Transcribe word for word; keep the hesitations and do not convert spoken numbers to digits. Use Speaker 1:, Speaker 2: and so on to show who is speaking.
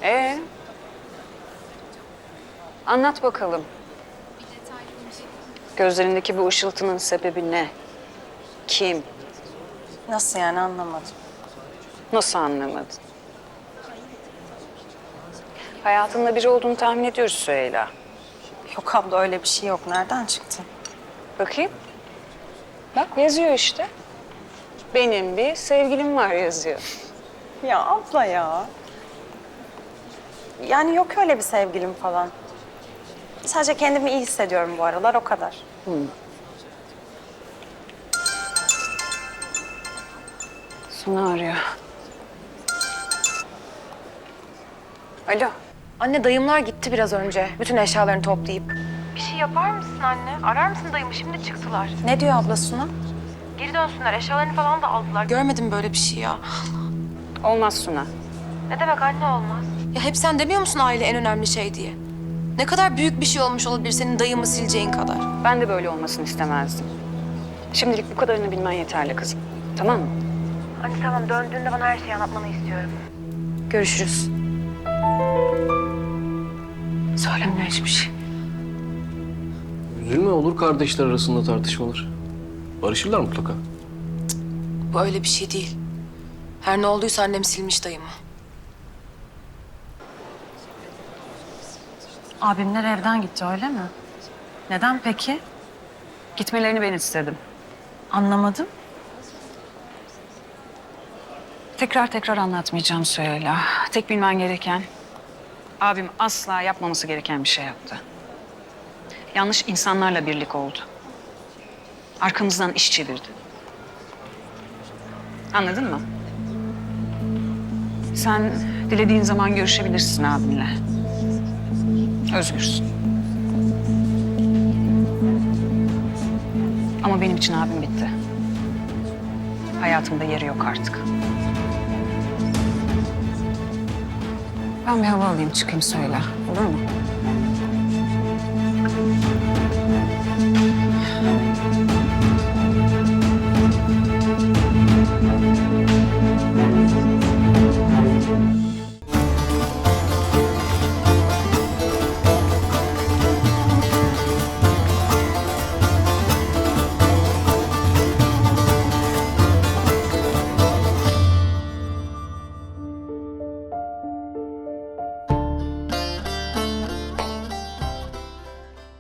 Speaker 1: Ee, anlat bakalım. Gözlerindeki bu ışıltının sebebi ne? Kim?
Speaker 2: Nasıl yani anlamadım.
Speaker 1: Nasıl anlamadın? Hayatında biri olduğunu tahmin ediyoruz Süheyla.
Speaker 2: Yok abla öyle bir şey yok. Nereden çıktı?
Speaker 1: Bakayım. Bak yazıyor işte. Benim bir sevgilim var yazıyor.
Speaker 2: Ya abla ya. Yani yok öyle bir sevgilim falan. Sadece kendimi iyi hissediyorum bu aralar o kadar.
Speaker 1: Sunu arıyor. Alo.
Speaker 3: Anne dayımlar gitti biraz önce. Bütün eşyalarını toplayıp.
Speaker 4: Bir şey yapar mısın anne? Arar mısın dayımı? Şimdi çıktılar.
Speaker 2: Ne diyor abla Suna?
Speaker 4: Geri dönsünler. Eşyalarını falan da aldılar.
Speaker 3: Görmedim böyle bir şey ya.
Speaker 1: Olmaz Suna.
Speaker 4: Ne demek anne olmaz?
Speaker 3: Ya hep sen demiyor musun aile en önemli şey diye? Ne kadar büyük bir şey olmuş olabilir senin dayımı sileceğin kadar.
Speaker 1: Ben de böyle olmasını istemezdim. Şimdilik bu kadarını bilmen yeterli kızım. Tamam mı?
Speaker 4: Anne tamam döndüğünde bana her şeyi anlatmanı istiyorum.
Speaker 3: Görüşürüz.
Speaker 1: Söylemiyor hiçbir şey.
Speaker 5: Üzülme, olur kardeşler arasında tartışmalar. Barışırlar mutlaka.
Speaker 3: Bu öyle bir şey değil. Her ne olduysa annem silmiş dayımı.
Speaker 2: Abimler evden gitti öyle mi? Neden peki?
Speaker 1: Gitmelerini ben istedim.
Speaker 2: Anlamadım.
Speaker 1: Tekrar tekrar anlatmayacağım Süheyla. Tek bilmen gereken, abim asla yapmaması gereken bir şey yaptı. Yanlış insanlarla birlik oldu. Arkamızdan iş çevirdi. Anladın mı? Sen dilediğin zaman görüşebilirsin abinle. Özgürsün. Ama benim için abim bitti. Hayatımda yeri yok artık. Ben bir hava alayım, çıkayım söyle. Olur mu?